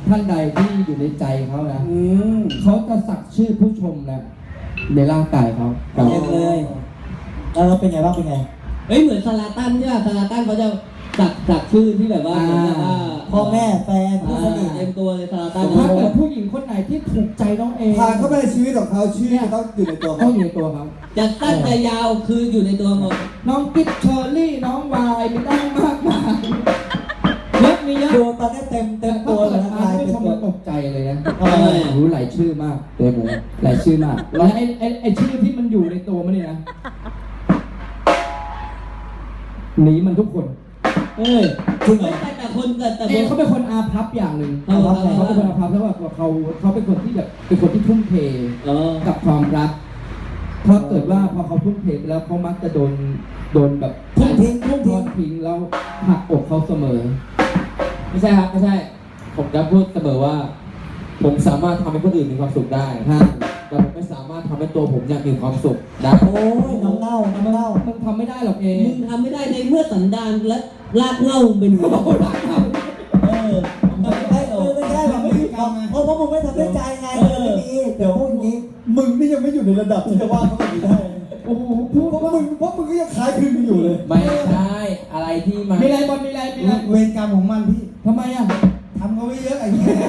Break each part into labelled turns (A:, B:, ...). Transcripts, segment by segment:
A: ท่านใดที่อยู่ในใจเขานะเขาจะสักชื่อผู้ชมนะในร่างกายเขา
B: เต็มเลยเป็นไงบ้างเป็นไง
C: เหมือนซาลาตันใช่ป่ะซาลาตันเขาจะสักชื่อที่แบบว่า
B: พ่อแม่แฟนผู้สนิท
C: เต็มตัวเลยซาลาตัน
A: ถ้าเกิดผู้หญิงคนไหนที่ถูกใจน้องเอ
D: ผ่านเข้าไปในชีวิตของเขาชื่อต้องอยู่ในตัวเขา
A: ต้องอยู่ในตัวเขา
C: จะสั้นจะยาวคืออยู่ในตัวหมด
A: น้องกิ๊บเชอร์รี่น้องวายไม่ต้องมากมายเยอะมีเยอะ
B: ดูตอนนี้เต็มตัวเลยนะ
A: ไม่ชมตกใจเลยนะรู้หลายชื่อมากเต็มเลยหลายชื่อมากแล้วไอ้ชื่อที่มันอยู่ในตัวมันนี่นะหนีมันทุกคน
C: จริงเหรอแต่คน
A: เขาเป็นคนอาภัพอย่างหนึ่งเขาเป็นคนอาภัพเพราะว่าเขาเป็นคนที่แบบเป็นคนที่ทุ่มเทกับความรักเพราะเกิดว่าพอเขาทุ่มเทไปแล้วเขามักจะโดนแบบทุ่มทิ้งแล้วหักอกเขาเสมอ
E: ไม่ใช่ครับไม่ใช่ผมจะพูดเสมอว่าผมสามารถทำให้คนอื่นมีความสุขได้แต่ผมไม่สามารถทำให้ตัวผมมีความสุขได้
B: โอ้ยน้ำเน่า
A: มึงทำไม่ได้หรอกเอ
C: มึงทำไม่ได้ในเมื่อสันดานและรากเหง้าเป็นหัว
B: ไม่ใช่แบบไม่ทำเพราะมึงไม่ทำด้วยใจไงไม่ดีเดี๋ยวพวกนี้
D: มึงนี่ยังไม่อยู่ในระดับที่จะว่าเขาแบบนี้ได้
A: โอ้โหพูด
D: เพราะมึงก็ยังคล้ายคลึงอยู่เลย
E: ไม่ใช่อะไรที่มัน
A: มีอะไรบอลมีอะไร
D: เวรกรรมของมันพี่
A: ทำไมอ่ะ
D: ทำเขาไม่เยอะไอ้เงี้ย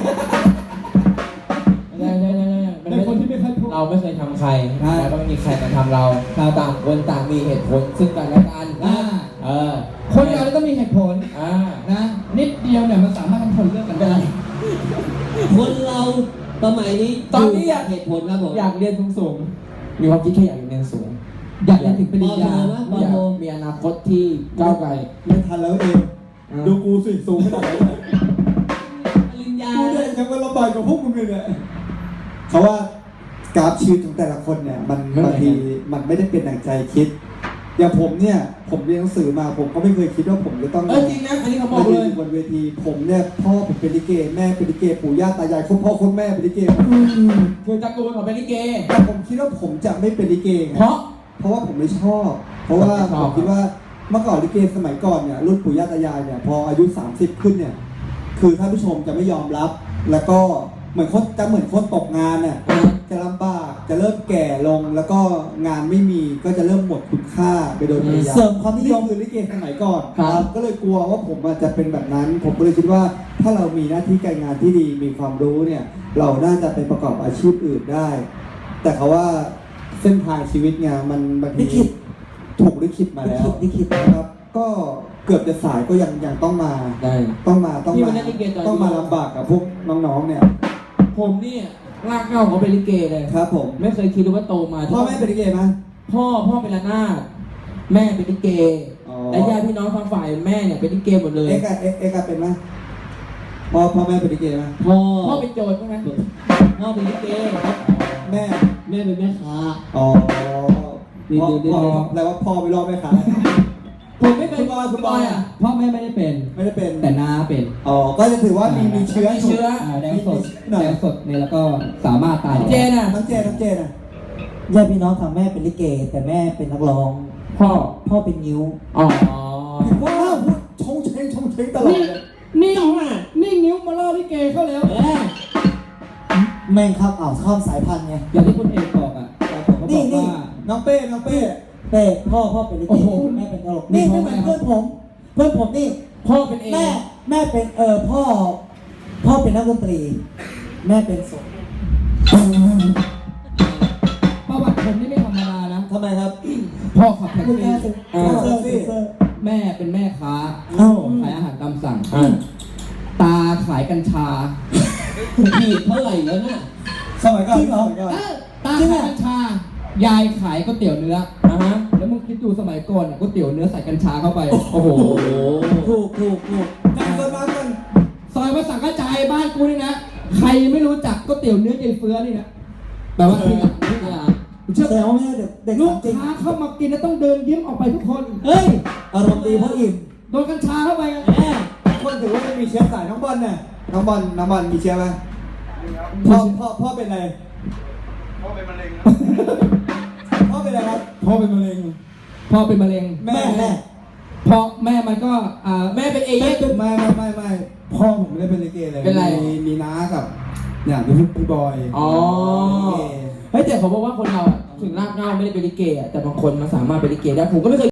A: เป็นคนที่ไม่เคยพูด
E: เราไม่เคยทำใครแล้วก็ไม่มีใครมาทำเราต่างคนต่างมีเหตุผลซึ่งกันและกัน
A: คนเราต้องมีเหตุผลนะนิดเดียวเนี่ยมันสามารถทำคนเลิกกันได้
C: คนเราสมัยนี้
E: ตอนนี้อยาก
C: เหตุผลครับผม
E: อยากเรียนสูงมีความคิดแค่อยากเรียนสูง
A: อยากเรียนถึงปริญญา
E: อยากมีอนาคตที่ก้าวไกล
D: ไม่ทันแล้วเองดูกูสิสูงขนาดไหน
C: ปริญญา
D: กูเนี่ยยังมาลำบากกว่าพวกมึงเลยเนี่ยเขาว่ากราฟชีวิตของแต่ละคนเนี่ยมันบางทีมันไม่ได้เป็นดั่งใจคิดอย่างผมเนี่ยผมเรียนหนังสือมาผมก็ไม่เคยคิดว่าผมจะต้อง
E: จริงนะอันนี้เขาบอกเลย
D: บนเวทีผมเนี่ยพ่อผมเป็นลิเกแม่เป็นลิเกปู่ย่าตายายคุณพ่อคุณแม่เป็นลิเก
E: คือตระกูลเขาเป็นลิเก
D: แต่ผมคิดว่าผมจะไม่เป็นลิเกเพราะว่าผมไม่ชอบเพราะว่าผมคิดว่าเมื่อก่อนลิเกสมัยก่อนเนี่ยรุ่นปู่ย่าตายายเนี่ยพออายุ30ขึ้นเนี่ยคือท่านผู้ชมจะไม่ยอมรับแล้วก็เหมือนคนตกงานเนี่ยจะลำบากจะเริ่มแก่ลงแล้วก็งานไม่มีก็จะเริ่มหมดคุณค่าไปโดยปริยาย
B: เสริมความนิยม
D: คือลิเกสมัยก่อนก็เลยกลัวว่าผมจะเป็นแบบนั้นผมก็เลยคิดว่าถ้าเรามีหน้าที่การงานที่ดีมีความรู้เนี่ยเราน่าจะไปประกอบอาชีพอื่นได้แต่เขาว่าเส้นทางชีวิตเนี่ยมันบางทีถูกลิขิตมาแล้วนะครับก็เกือบจะสายก็ยังต้องมาต้องมาลำบากกับพวกน้องๆเนี่ย
E: ผมนี่รากเหง้าเขาเป็นลิเกเลย
D: ครับผม
E: ไม่เคยคิดว่าโตมา
D: พ่อแม่เป็นลิเกไหม
E: พ่อเป็นระนาดแม่เป็นลิเกและญาติพี่น้องทางฝ่ายแม่เนี่ยเป็นลิเกหมดเลย
D: เอกเป็นไหมพ่อแม่เป็นลิเกไหม
E: พ่อเป็นโจรใช่ไหมพ่อเป็นลิเก
D: แม่
C: เป็นแม่ค้า
D: แปลว่าพ่อไปรอบแม่ค้า
E: ผมไม่เป็น
D: คุณบอยอ่ะ
A: พ่อแม่ไม่ได้เป็นแต่น้าเป็น
D: ก็จะถือว่ามีเชื้อ
A: แดงสดเนี่ยแล้วก็สามารถตาย
D: เจน่ะน้องเจน่ะ
B: ญาติพี่น้องทางแม่เป็นลิเกแต่แม่เป็นนักร้องพ่อเป็นนิ้ว
D: ว้าวชงเชงตลอด
A: นี่นิ้วมาล่อลิเกเข้าแล้ว
B: แม่งครับข้ามสายพันธุ์ไง
A: อย่างที่คุณเอกบอกอ่ะ
B: นี่
D: น้องเป้
B: พ่อเป็นลิเกแม่เป็นตลกนี่ไม่เหมือนเพื่อนผมนี่
E: พ่อเป็นเอ
B: แม่เป็นพ่อเป็นนักดนตรีแม่เป็นศพ
A: ประวัติผมนี่ไม่ธรรมดานะ
B: ทำไมครับ
A: พ่อขับแท็กซี่แม่เป็นแม่ค้าขายอาหารตามสั่งตาขายกัญชา
C: ผิดเท่าไหร่แล้วเนี่ย
D: สมัยก่อน
A: ตาขายกัญชายายขายก๋วยเตี๋ยวเนื้อแล้วมึงคิดดูสมัยก่อนก๋วยเตี๋ยวเนื้อใส่กัญชาเข้าไปโอ้โห
B: ถูก
A: ซอยวัดสังกะจายบ้านกูนี่นะใครไม่รู้จักก๋วยเตี๋ยวเนื้อยายเฟื้อนี่นะแปลว่าที่หลัง
B: เชื่อแล้วแม่เด็ก
A: ลูกค้าเข้ามากินแล้วต้องเดินยิ้มออกไปทุกคน
B: อารมณ์ดีเพราะอิ่ม
A: โดนกัญชาเข้าไป
D: คนถือว่าจะมีเชื้อสายน้องบอลเนี่ยน้องบอลมีเชื้อไหมพ่อเป็นอะไรพ่อเป็นมะเร็งพ่อเป็นอะไรครับ
A: พ่อเป็นมะเร็ง
D: แม่
A: พอแม่มันก็
E: แม่เป็นเอเย่น
D: ไม่พ่อผมไม่ได้เป็นลิเกเลย
E: เป็นไร
D: มีน้ากับอย่างพี่บอย
E: อ๋อ
D: ลิเก
E: เฮ้ยแต่ผมบอกว่าคนเราอะถึงรากเหง้าไม่ได้เป็นลิเกอะแต่บางคนมันสามารถเป็นลิเกได้ผมก็ไม่เคย